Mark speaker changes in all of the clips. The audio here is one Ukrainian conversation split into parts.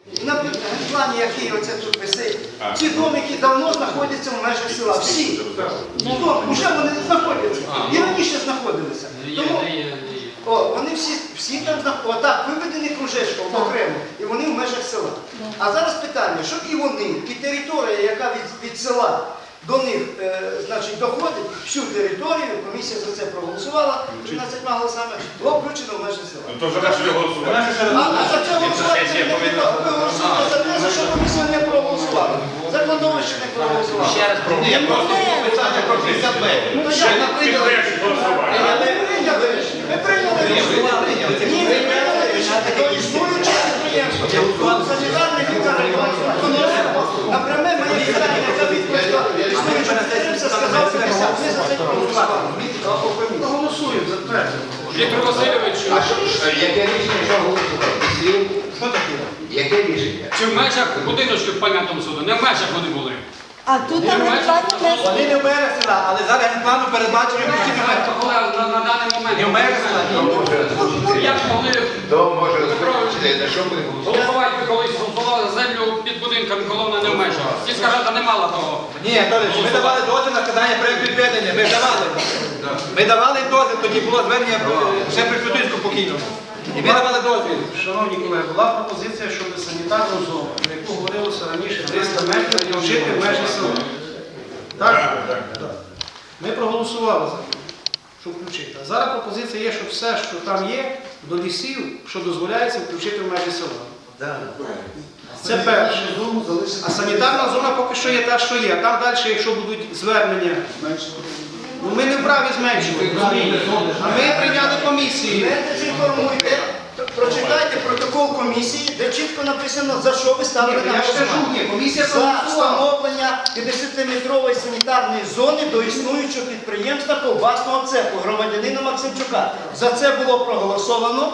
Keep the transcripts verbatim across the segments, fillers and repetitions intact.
Speaker 1: На плані, який оце тут висить, ці домики давно знаходяться в межах села. Всі. Вже вони знаходяться. І раніше знаходилися. Тому о, вони всі, всі там знаходяться. Отак, виведені кружечком окремо, і вони в межах села. А зараз питання, щоб і вони, і територія, яка від, від села до них е, значить, доходить, всю територію, комісія за це проголосувала, тринадцятьма голосами, було включено в межі села.
Speaker 2: Ну то за те, що його голосувати.
Speaker 1: А за це голосувати не треба. Ви голосуєте за те, за що комісія не проголосувала. За кладовище не проголосувала.
Speaker 3: Ще раз
Speaker 4: Ні, просто питання про п'ятдесят метрів.
Speaker 1: Ну,
Speaker 2: Ще не підтримують голосувати.
Speaker 1: А ви прийняли рішення? Ви прийняли рішення? Ні, ви прийняли рішення. То існуюче підприємство. Санітарний лікар напряме моє питання, яка відповідала існуюче підприємство, сказав п'ятдесят. Ми за це проголосували. Голосуємо за те.
Speaker 5: Віктор Васильович,
Speaker 4: А що, яке рішення, що голосувати? Що таке? Яке рішення?
Speaker 5: чи в межах будиночків пам'ятного суду? Не в межах вони були.
Speaker 6: А тут там генплану не
Speaker 7: Вони не в мерах села, але зараз генплану передбачені включити
Speaker 5: Але на, на даний момент.
Speaker 7: не в мерах села.
Speaker 5: Як могли
Speaker 4: То може розповідати, на що буде голосувати?
Speaker 5: голосувати, ви колись голосували за землю під будинками, коли вона не в межах. Сільська рада не мала того.
Speaker 7: Ні, Анатолійович, ми давали дозвіл на складання проєкту відведення, ми ж давали. Ми давали дозвіл, тоді було звернення е, ще при Фютинську покійному. І ми давали дозвіл.
Speaker 8: Шановні колеги, була пропозиція, щоб санітарну зону, про яку говорилося раніше, триста метрів, включити в межі села. Так? Так. Ми проголосували за це, щоб включити. А зараз пропозиція є, щоб все, що там є, до лісів, що дозволяється, включити в межі села. Це перше. А санітарна зона поки що є та, що є. Там далі, якщо будуть звернення, ну ми не вправі зменшувати, розумієте? А ми прийняли комісію.
Speaker 1: Не дезінформуйте, прочитайте протокол комісії, де чітко написано, за що ви ставили на
Speaker 8: Я ж кажу,
Speaker 1: голосування.
Speaker 8: ні, комісія
Speaker 1: За
Speaker 8: проголосувала.
Speaker 1: встановлення п'ятдесятиметрової санітарної зони до існуючого підприємства ковбасного цеху громадянина Максимчука. За це було проголосовано,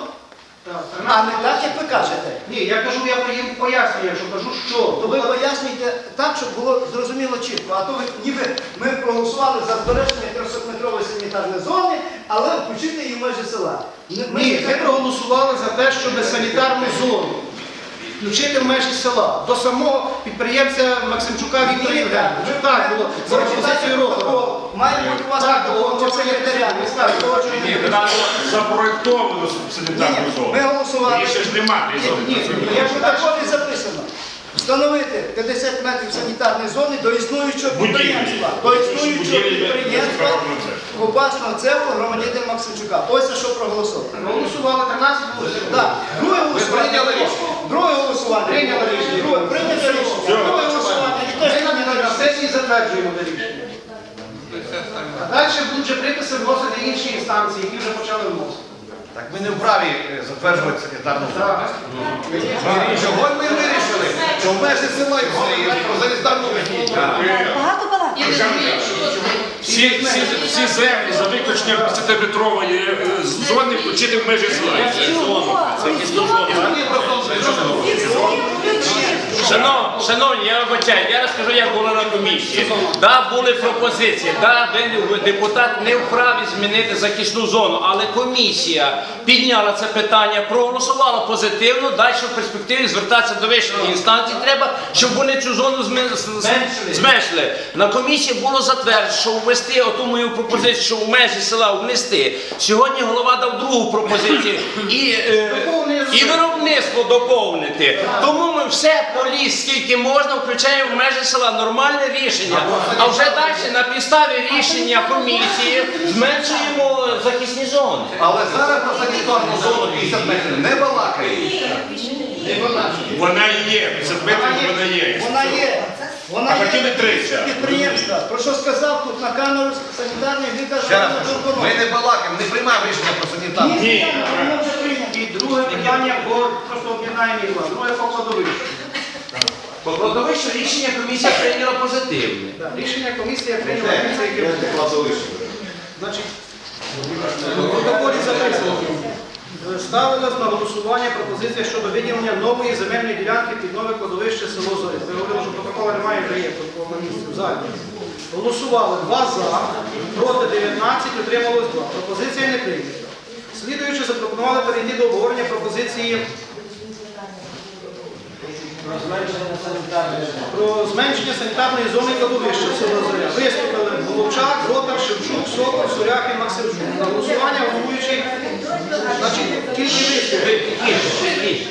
Speaker 1: а не так, як ви кажете.
Speaker 8: Ні, я кажу, я їм пояснюю, що кажу, що.
Speaker 1: То ви пояснюєте так, щоб було зрозуміло чітко. А то ви ніби ми проголосували за збереження трьохсотметрової санітарної зони, але включити її в межі села. Ми-
Speaker 8: Ні, ми проголосували за те, щоб санітарну зону включити в межі села. До самого підприємця Максимчука Віктора Євгеновича. Так було, за пропозицією року.
Speaker 1: Має бути у вас
Speaker 8: Так,
Speaker 1: такого
Speaker 8: було, це
Speaker 1: секретаря.
Speaker 8: не скажу.
Speaker 2: Ні, вона запроєктовано санітарну
Speaker 1: Ми
Speaker 2: зону.
Speaker 1: голосували.
Speaker 2: Її ще ж немає.
Speaker 8: Ні,
Speaker 1: Я ж також і записано. Встановити п'ятдесят метрів санітарної зони до існуючого
Speaker 2: Будівлі.
Speaker 1: підприємства. До існуючого
Speaker 2: Будівлі
Speaker 1: підприємства
Speaker 2: безпекового цеху.
Speaker 1: ковбасного цеху громадянина Максимчука. Ось за що проголосовано.
Speaker 8: Проголосували тринадцять голосів.
Speaker 1: Так, друге голосування.
Speaker 8: прийняли рішення.
Speaker 1: Друге голосування.
Speaker 8: Прийняли рішення.
Speaker 1: Друге, прийняли рішення. Друге голосування. І теж
Speaker 8: Ми на- на сесії затверджуємо це рішення. А далі будуть вже приписи вносити інші інстанції, які вже почали вносити.
Speaker 4: Так ми не вправі е, затверджувати санітарну зону.
Speaker 8: Так.
Speaker 4: Чого ми вирішили? Що в межі села і все, і про санітарну
Speaker 6: багато балакати.
Speaker 2: Всі, всі, всі землі за виключенням п'ятдесятиметрової е, зони включити в межі села. Це зона. Це якісь зона.
Speaker 3: Шанов, шановні, я вибачаю, я розкажу, як було на комісії. Да, були пропозиції, да, ви, депутат не вправі змінити захисну зону, але комісія підняла це питання, проголосувала позитивно, далі в перспективі звертатися до вищих інстанцій треба, щоб вони цю зону зми- з- зменшили. На комісії було затверджено, що ввести оту мою пропозицію, що в межі села внести. Сьогодні голова дав другу пропозицію і, е, і виробництво доповнити. Тому ми все по ліс, скільки можна, включаємо в межі села. Нормальне рішення. А вже далі на підставі рішення комісії зменшуємо захисні зони.
Speaker 4: Але зараз про санітарну зону п'ятдесят метрів не балакає.
Speaker 2: Вона і є. п'ятдесят метрів вона є.
Speaker 1: Вона є. Вона
Speaker 2: А хотіли
Speaker 1: є
Speaker 2: тридцять.
Speaker 1: підприємства. Про що сказав тут на камеру санітарний лікар?
Speaker 4: Ще раз кажу, ми не балакаємо, не приймаємо рішення про санітарну.
Speaker 1: Ні, воно вже прийнято.
Speaker 8: І друге питання, бо просто об'єднаємо їх. Друге по кладовищу.
Speaker 3: По кладовищу рішення комісія прийняла позитивне.
Speaker 8: Так, рішення комісії прийняла комісія, яке буде. Значить, в протоколі записано. Ставилась на голосування пропозиція щодо виділення нової земельної ділянки під нове кладовище село Зорі. Ви говорили, що протокола немає, вже є протокол на місці в залі. Голосували два за, проти дев'ятнадцять, утрималось два. Пропозиція не прийнята. Слідуючи, запропонували перейти до обговорення пропозиції Про зменшення санітарної зони кладовища в село Зоря. Виступили Головчак, Ротар, Шевчук, Сокол, Сурякін, Максимчук. На голосування головуючий, значить, тільки виступили.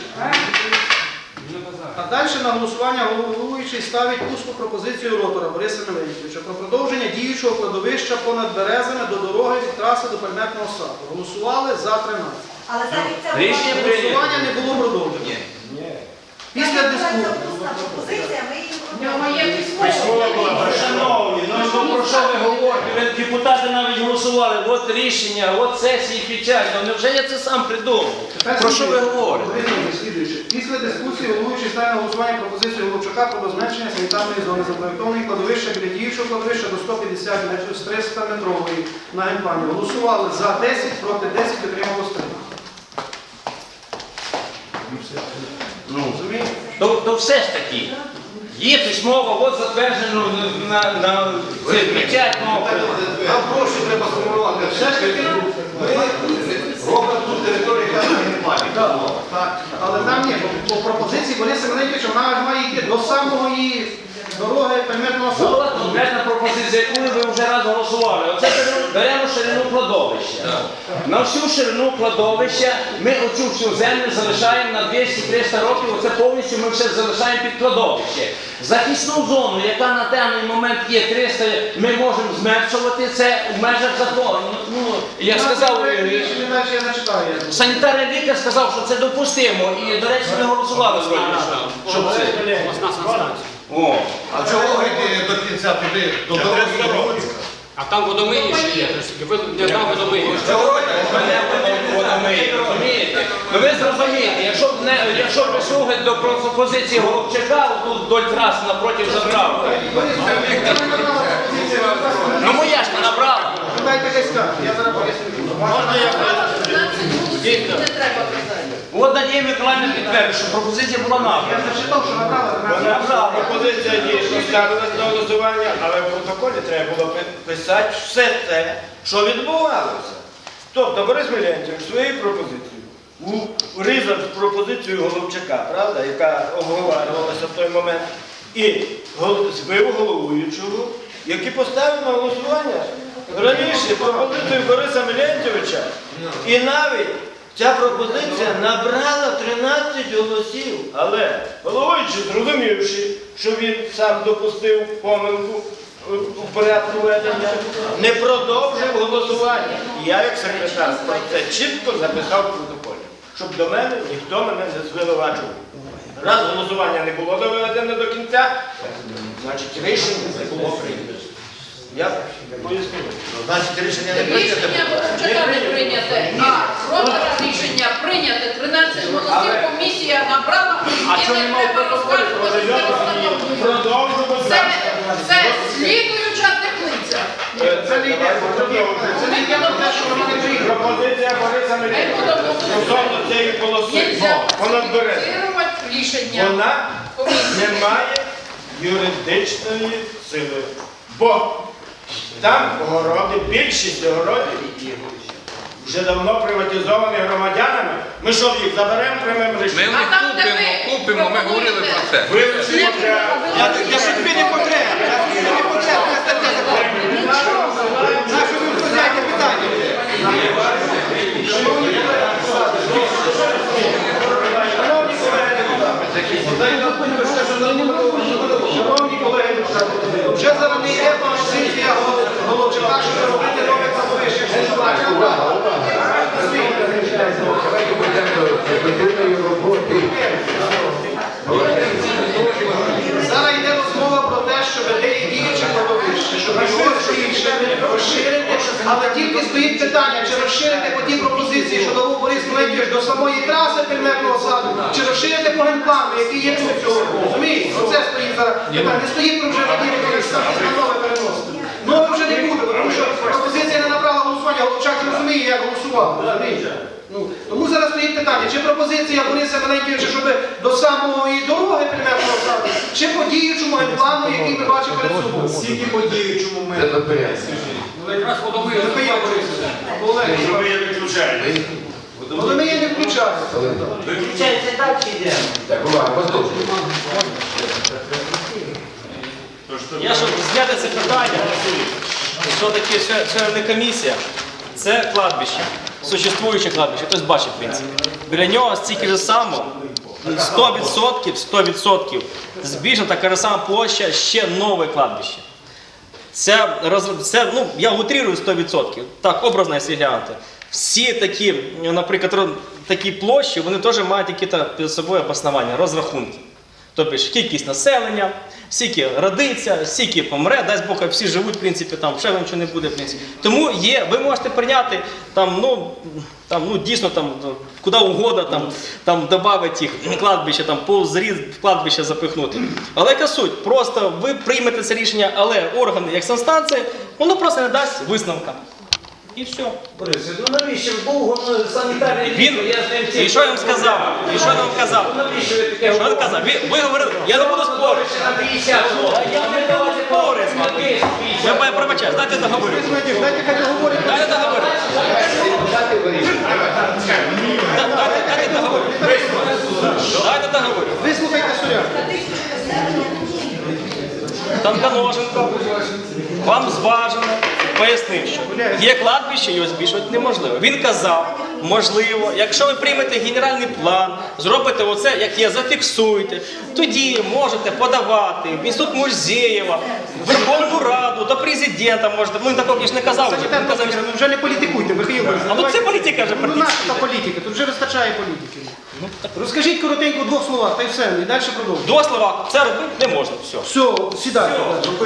Speaker 8: А далі на голосування головуючий ставить усну пропозицію Ротора Бориса Миленьківича про продовження діючого кладовища понад Березами до дороги від траси до Пельметного саду. Голосували за тринадцять.
Speaker 6: Але навіть це
Speaker 3: Рішення
Speaker 6: була
Speaker 3: прийнято.
Speaker 8: Голосування не було продовжено. Після дискусії.
Speaker 6: усна пропозиція, ми її
Speaker 3: Шановні, ну що, про що ви говорите? Ви, депутати навіть голосували, от рішення, от сесії печать. Ну невже я це сам придумав? Про що ви говорите?
Speaker 8: Слідуючи. Після дискусії головуючий ставить на голосування пропозицію Головчака про зменшення санітарної зони запроєктованої кладовища біля діючого кладовища до сто п'ятдесят метрів з триста метрової на генплані. Голосували за десять, проти десять, отрималось три.
Speaker 3: Ну, то, то все ж таки. Є письмово, от затверджено на, на це печать, ну,
Speaker 4: Нам прошу треба сформувати. Все ж таки, ми робимо тут територію, яка не плані.
Speaker 8: Так, але там ні, по, по пропозиції Бориса Миленьківича вона має йти до самої дороги Пельметного саду.
Speaker 3: була конкретна пропозиція, яку ви вже раз голосували. Оце беремо ширину кладовища. На всю ширину кладовища ми оцю всю землю залишаємо на двісті-триста років, оце повністю ми все залишаємо під кладовище. Захисну зону, яка на даний момент є триста, ми можемо зменшувати це в межах закону. Ну, як сказав, е,
Speaker 8: Рішення далі я не читаю.
Speaker 3: санітарний лікар сказав, що це допустимо. І, до речі, ми голосували вроді, що- щоб це.
Speaker 5: Власна станція.
Speaker 3: О.
Speaker 4: А чого йти до кінця туди, до дороги?
Speaker 5: А там водомиї ще є, ви не там водомиї.
Speaker 3: Розумієте? Ну ви зрозумієте, якщо б не, якщо б ви слухаєте до пропозиції Головчака, тут вдоль трас напроти заправки. Ну моя ж не набрала.
Speaker 8: Дайте якась карта, я зараз поясню.
Speaker 3: Можна я От Надія Миколаївна підтвердить, що пропозиція була
Speaker 8: Я
Speaker 3: набрана.
Speaker 8: зачитав, що набрала.
Speaker 3: Набрала.
Speaker 9: Пропозиція дійсно ставилась на голосування, але в протоколі треба було писати все те, що відбувалося. Тобто Борис Миленківич своєю пропозицією урізав пропозицію Головчака, правда, яка обговорювалася в той момент, і гол- збив головуючого, який поставив на голосування раніше пропозицію Бориса Миленківича. І навіть ця пропозиція набрала тринадцять голосів, але головуючий, зрозумівши, що він сам допустив помилку у порядку ведення, не продовжив голосування. І я, як секретар, про це чітко записав в протоколі, щоб до мене ніхто мене не звинувачував. Раз голосування не було доведене до кінця, значить рішення не було прийнято. Я поясню.
Speaker 4: Значить, рішення не прийняте.
Speaker 10: Рішення Головчака не прийняте, а Ротара рішення прийняте. тринадцять голосів, комісія набрала,
Speaker 3: А
Speaker 10: і
Speaker 3: що
Speaker 10: не
Speaker 3: немає
Speaker 10: треба
Speaker 3: протоколу?
Speaker 10: розказувати, що це встановлює.
Speaker 9: Продовжимо
Speaker 10: Це, це слідуюча теплиця.
Speaker 8: Це не йде, це не йде про те, що вона не приїхала.
Speaker 9: Пропозиція Бориса Миленківича стосовно цієї полоси.
Speaker 10: Нельзя
Speaker 9: Понад березом.
Speaker 10: фіксувати рішення
Speaker 9: Вона
Speaker 10: комісії.
Speaker 9: не має юридичної сили. Бо там огороди, більшість огородів вже давно приватизовані громадянами. Ми що, їх заберемо прямим
Speaker 2: Ми
Speaker 9: рішенням?
Speaker 2: їх
Speaker 10: А там, де
Speaker 2: купимо,
Speaker 10: ви
Speaker 2: купимо, ми говорили про це.
Speaker 9: Вилучимо для...
Speaker 7: Я, я ж тобі не потрібен. Я тобі не потрібен, я стаття закону. Нащо ви входяєте питання?
Speaker 8: Шановні колеги, вже зараз не є пропозиція Головчака, щоб робити нове кладовище. Зараз йде розмова про те, щоб де є діюче кладовище, щоб його розширити, розширити, але тільки стоїть питання, чи розширити по тій пропозиції, що дав Борис Миленківич до самої траси Пельметного саду, чи розширити по генплану, який є тут цього. Розумієте? Оце стоїть зараз питання. Не стоїть про вже Надія Миколаївна, на нове переносити. Нове вже не буде, тому що пропозиція не набрала голосування, Головчак не розуміє, як голосував. Розумієте? Ну, тому зараз стоїть питання, чи пропозиція Бориса Миленківича, щоб до самої дороги Пельметного саду, чи по діючому генплану, який ми бачимо перед собою.
Speaker 9: Скільки по діючому ми?
Speaker 5: Ну, якраз водомиї.
Speaker 8: Михайло Борисович, або Олег
Speaker 9: Ми
Speaker 8: Іванович.
Speaker 9: її виключаємо.
Speaker 8: Вони її не включають.
Speaker 3: Виключається далі йдемо.
Speaker 11: Так, увага, послухайте. я щоб зняти це питання, що таке члени комісія, це кладбище, существуюче кладбище, хтось бачить, в принципі. Біля нього стільки ж само, сто відсотків, сто відсотків збільшена така ж сама площа, ще нове кладбище. Це, це, ну, я утрирую сто відсотків, так, образно, якщо глянути. Всі такі, наприклад, такі площі, вони теж мають якісь під собою обоснування, розрахунки. Тобто кількість населення, скільки родиться, скільки помре, дасть Бог, всі живуть, в принципі, там, ще нічого не буде, в принципі. Тому є, ви можете прийняти, там, ну, там, ну, дійсно, там, куди угодно, там, там, додати їх кладбище, там, по зріз в кладбище запихнути. Але яка суть? Просто ви приймете це рішення, але органи, як санстанції, воно просто не дасть висновка. І все.
Speaker 9: Борис, ну навіщо довго санітарний
Speaker 11: Він, і що я вам сказав? І що я вам казав?
Speaker 9: Навіщо ви таке
Speaker 11: Що я казав? Ви, ви говорили, я не буду спорити. Я не буду спорити з вами. Я пробачаю, дайте договорю.
Speaker 8: Дайте хай договорить.
Speaker 11: Дайте договорю. Дайте, дайте договорю. Дайте договорю.
Speaker 8: Вислухайте Суряк.
Speaker 11: Там Каноженко вам зважено пояснив, що є кладбище, його збільшувати неможливо. Він казав, можливо, якщо ви приймете генеральний план, зробите оце, як є, зафіксуєте, тоді можете подавати в Інститут Мурзєєва, в Верховну Раду, до президента можете. Ну, він такого ж не казав. Вже. Він казав, що...
Speaker 8: Ну вже не політикуйте, Михайло.
Speaker 11: А тут це політика вже
Speaker 8: Ну
Speaker 11: практично.
Speaker 8: наша політика, тут вже вистачає політики. Розкажіть коротенько в двох словах, та й все, і далі продовжуйте.
Speaker 11: До слова, це робити не можна, все.
Speaker 8: Все, сідайте.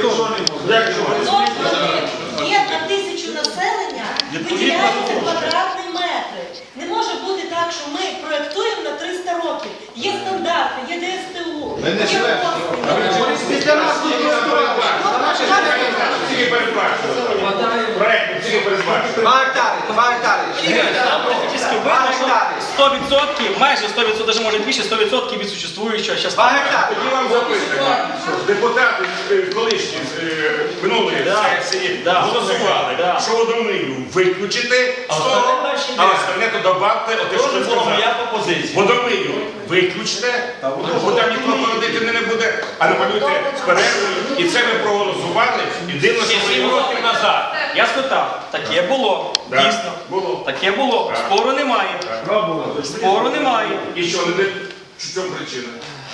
Speaker 6: Є на тисячу населення, виділяються квадратні метри. Не може бути так, що ми проєктуємо на триста років. Є стандарти, є ДСТУ, є послуги.
Speaker 8: Після нас тут
Speaker 7: Два гектари, два гектари.
Speaker 11: Там практично видно, що сто відсотків, майже сто відсотків, навіть може більше, сто відсотків від существуючого зараз.
Speaker 7: Два гектари.
Speaker 2: Тоді вам записано, що депутати е, колишні з е, минулої сесії
Speaker 11: да,
Speaker 2: голосували,
Speaker 11: да.
Speaker 2: що водомию виключити,
Speaker 11: А
Speaker 2: сто,
Speaker 11: остальне далі
Speaker 2: а
Speaker 11: йде.
Speaker 2: остальне то добавте, оте, що ви сказали.
Speaker 11: пропозиція.
Speaker 2: Водомию виключте, бо там ніхто породити не буде, а намалюйте з перервою. І це ми проголосували, і дивно, що ви
Speaker 11: Сім
Speaker 2: його...
Speaker 11: років назад. Я спитав, таке було,
Speaker 2: Да,
Speaker 11: дійсно.
Speaker 2: було.
Speaker 11: Таке було,
Speaker 2: Так.
Speaker 11: спору немає. Спору немає.
Speaker 2: І що, не де- в чому причина?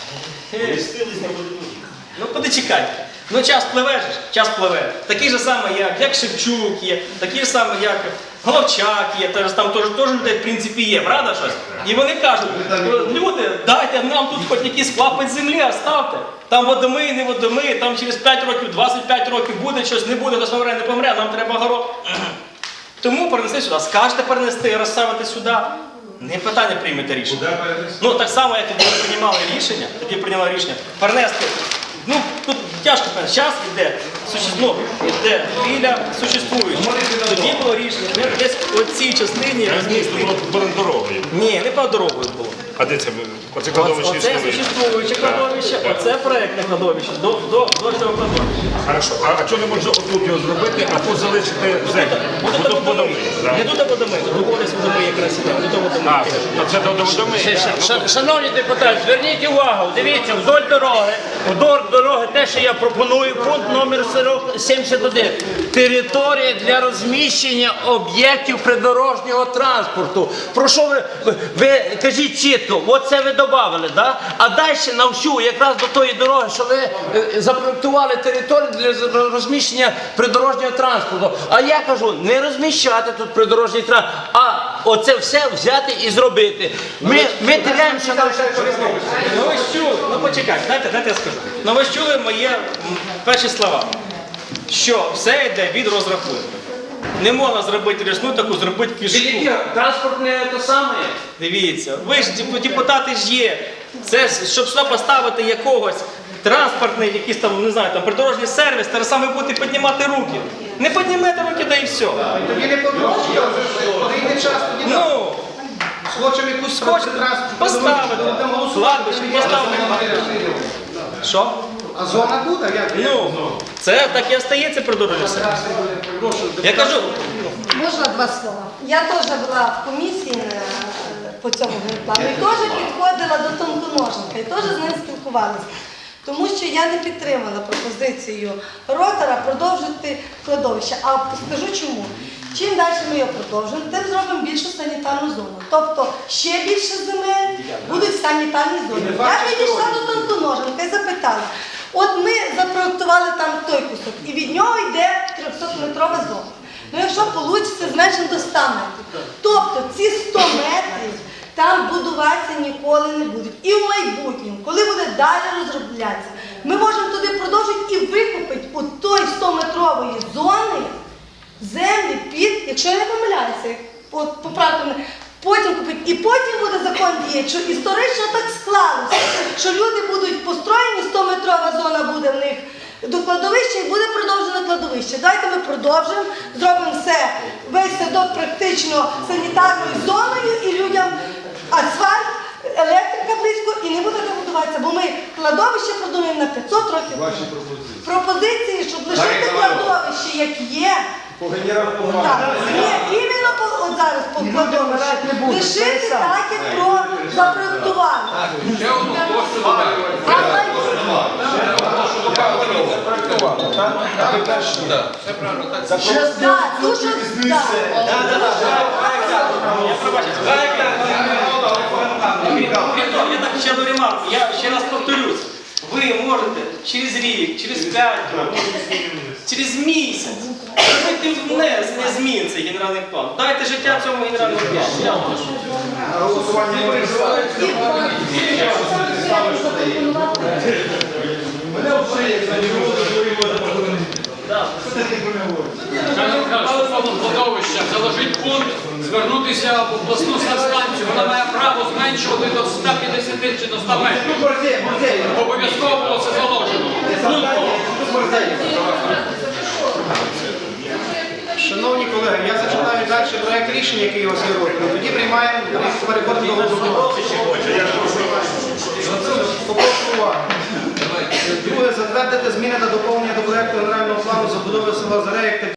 Speaker 11: Ну, подочекайте. Ну, час пливе ж, час пливе. Такий же самий, як, як Шевчук є, такий же самий, як Головчак є, теж, там теж, теж людей, в принципі, є, правда щось? І вони кажуть, люди, дайте нам тут хоч якийсь клапоть землі, оставте. Там водомий, не водомий, там через п'ять років, двадцять п'ять років буде щось, не буде, хтось помре, не помре, нам треба город. Тому перенесли сюди. Скажете перенести, розставити сюди. Не питання приймете рішення. Ну, так само, як тоді ви приймали рішення, тоді прийняли рішення, перенести. Ну, тут тяжко, час йде, ну, йде біля существуючого. Тоді було рішення, ми десь у цій частині розмістили.
Speaker 2: Понад дорогою.
Speaker 11: Ні, не по дорогою було.
Speaker 2: А де це? Оце кладовище
Speaker 11: Оце
Speaker 2: існує?
Speaker 11: существуюче кладовище, оце проєктне кладовище, до, до, до цього кладовища.
Speaker 2: Хорошо. А, а чого не можна отут його зробити, а тут залишити землю?
Speaker 11: Буде
Speaker 2: Тут
Speaker 11: до
Speaker 2: водомий.
Speaker 11: водомий. Не тут водомий, тут водомий водомий якраз іде, не до водомий.
Speaker 2: А, то це до водомий.
Speaker 3: Ш- Шановні депутати, зверніть увагу, дивіться, вдоль дороги, вдоль дороги, те, що я пропоную, пункт номер сімдесят один. Територія для розміщення об'єктів придорожнього транспорту. Про що ви, ви, ви кажіть чітко, оце ви додали, да? А далі на всю, якраз до тої дороги, що ви е, запроектували територію для розміщення придорожнього транспорту. А я кажу, не розміщати тут придорожній транспорт, а оце все взяти і зробити. Ми, ми теряємося на все.
Speaker 11: Ну ви ж чули, ну почекайте, дайте, дайте я скажу. Ну ви ж чули мої м, перші слова, що все йде від розрахунку. Не можна зробити річну таку, зробити кишку.
Speaker 3: Транспорт не те саме.
Speaker 11: Дивіться, ви ж деп- депутати ж є. Це ж, щоб сюди поставити якогось транспортний, якийсь там, не знаю, там придорожній сервіс, те саме будете піднімати руки. Не піднімете руки, да і все.
Speaker 8: Тоді не подорожче, прийде час, тоді так.
Speaker 11: Ну,
Speaker 8: Схочемо якусь
Speaker 11: Хочете
Speaker 8: транспорт,
Speaker 11: поставити,
Speaker 8: будемо голосувати.
Speaker 11: кладбище поставити. Що?
Speaker 8: А зона буде, як?
Speaker 11: Ну, це так і остається придорожній сервіс. Я кажу,
Speaker 12: Можна два слова? Я теж була в комісії е, по цьому генплану і теж підходила до тонконожника, і теж з ним спілкувалася. Тому що я не підтримала пропозицію ротора продовжити кладовище. А скажу чому. Чим далі ми його продовжуємо, тим зробимо більшу санітарну зону. Тобто ще більше земель будуть в санітарній зоні. Я підійшла до Тонконоженка і запитала. От ми запроектували там той кусок, і від нього йде трьохсотметрова зона. Ну якщо вийде, зменшимо до ста метрів. Тобто ці сто метрів там будуватися ніколи не будуть. І в майбутньому, коли буде далі розроблятися, ми можемо туди продовжити і викупити у той сто-метрової зони землі під, якщо я не помиляюся, от поправте мене, потім купити. І потім буде закон діяти, що історично так склалося, що люди будуть построєні, сто-метрова зона буде в них до кладовища і буде продовжено кладовище. Давайте ми продовжимо, зробимо все, весь садок практично санітарною зоною і людям асфальт, електрика близько і не буде де будуватися, бо ми кладовище продумаємо на п'ятсот років.
Speaker 4: Ваші пропозиції.
Speaker 12: Пропозиції, щоб лишити кладовище, як є.
Speaker 4: По генеральному
Speaker 12: Так, ні, іменно по, от зараз по кладовище. Лишити так, як про запроектували.
Speaker 5: Ще одну площу додаємо.
Speaker 12: Так, дуже, так.
Speaker 11: Я так ще одну ремарку, я ще раз повторюсь. Ви можете через рік, через п'ять років, через місяць зробити внесення змін цей генеральний план. Дайте життя цьому генеральному плану. Я вам прошу.
Speaker 4: голосування може мене обсує, як не можу. Що ти про мене говориш?
Speaker 5: Михайло Михайлович, стосовно кладовища, заложить пункт, звернутися в обласну санстанцію. Вона має право зменшувати до ста п'ятдесяти чи до ста метрів. Обов'язково було це заложено.
Speaker 8: Шановні колеги, я зачитаю далі проект рішення, який у вас є розданий. Тоді приймаємо, переходимо до голосування. Попрошу увагу. Друге, затвердити зміни та доповнення до проекту генерального плану забудови села Зареїв